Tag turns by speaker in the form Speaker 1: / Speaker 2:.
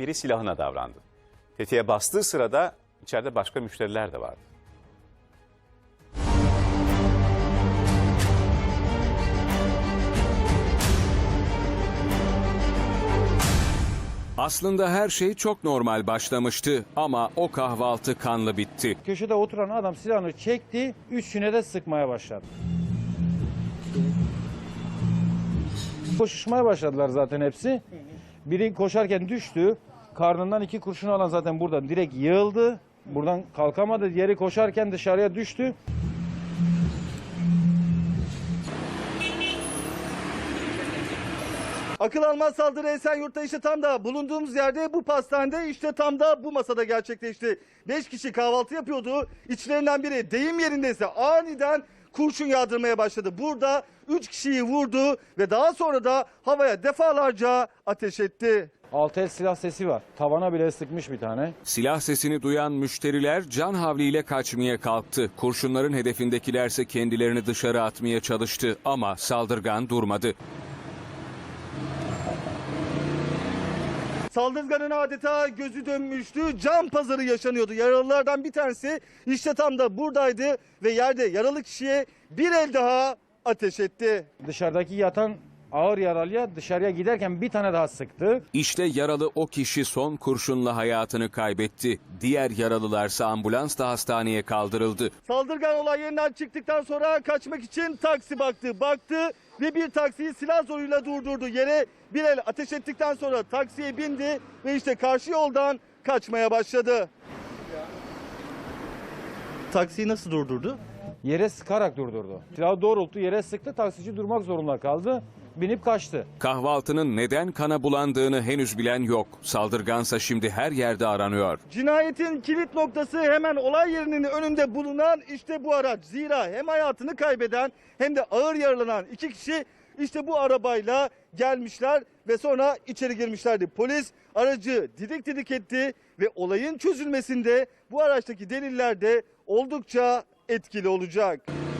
Speaker 1: biri silahına davrandı. Tetiğe bastığı sırada içeride başka müşteriler de vardı.
Speaker 2: Aslında her şey çok normal başlamıştı ama o kahvaltı kanlı bitti.
Speaker 3: Köşede oturan adam silahını çekti, üçüne de sıkmaya başladı. Koşuşmaya başladılar zaten hepsi. Biri koşarken düştü. Karnından 2 kurşun alan zaten buradan direkt yığıldı. Buradan kalkamadı. Diğeri koşarken dışarıya düştü.
Speaker 4: Akıl almaz saldırı Esenyurt'ta işte tam da bulunduğumuz yerde bu pastanede işte tam da bu masada gerçekleşti. 5 kişi kahvaltı yapıyordu. İçlerinden biri deyim yerindeyse aniden kurşun yağdırmaya başladı. Burada 3 kişiyi vurdu ve daha sonra da havaya defalarca ateş etti.
Speaker 3: 6 el silah sesi var. Tavana bile sıkmış bir tane.
Speaker 2: Silah sesini duyan müşteriler can havliyle kaçmaya kalktı. Kurşunların hedefindekilerse kendilerini dışarı atmaya çalıştı ama saldırgan durmadı.
Speaker 4: Saldırganın adeta gözü dönmüştü. Can pazarı yaşanıyordu. Yaralılardan bir tanesi işte tam da buradaydı ve yerde yaralı kişiye bir el daha ateş etti.
Speaker 3: Dışarıdaki yatan ağır yaralıya dışarıya giderken bir tane daha sıktı.
Speaker 2: İşte yaralı o kişi son kurşunla hayatını kaybetti. Diğer yaralılarsa ambulansla hastaneye kaldırıldı.
Speaker 4: Saldırgan olay yerinden çıktıktan sonra kaçmak için taksi baktı ve bir taksiyi silah zoruyla durdurdu. Yere bir el ateş ettikten sonra taksiye bindi ve işte karşı yoldan kaçmaya başladı. Taksiyi nasıl durdurdu?
Speaker 3: Yere sıkarak durdurdu. Silahı doğrulttu, yere sıktı. Taksici durmak zorunda kaldı. Binip kaçtı.
Speaker 2: Kahvaltının neden kana bulandığını henüz bilen yok. Saldırgansa şimdi her yerde aranıyor.
Speaker 4: Cinayetin kilit noktası hemen olay yerinin önünde bulunan işte bu araç. Zira hem hayatını kaybeden hem de ağır yaralanan 2 kişi işte bu arabayla gelmişler ve sonra içeri girmişlerdi. Polis aracı didik didik etti ve olayın çözülmesinde bu araçtaki deliller de oldukça etkili olacak.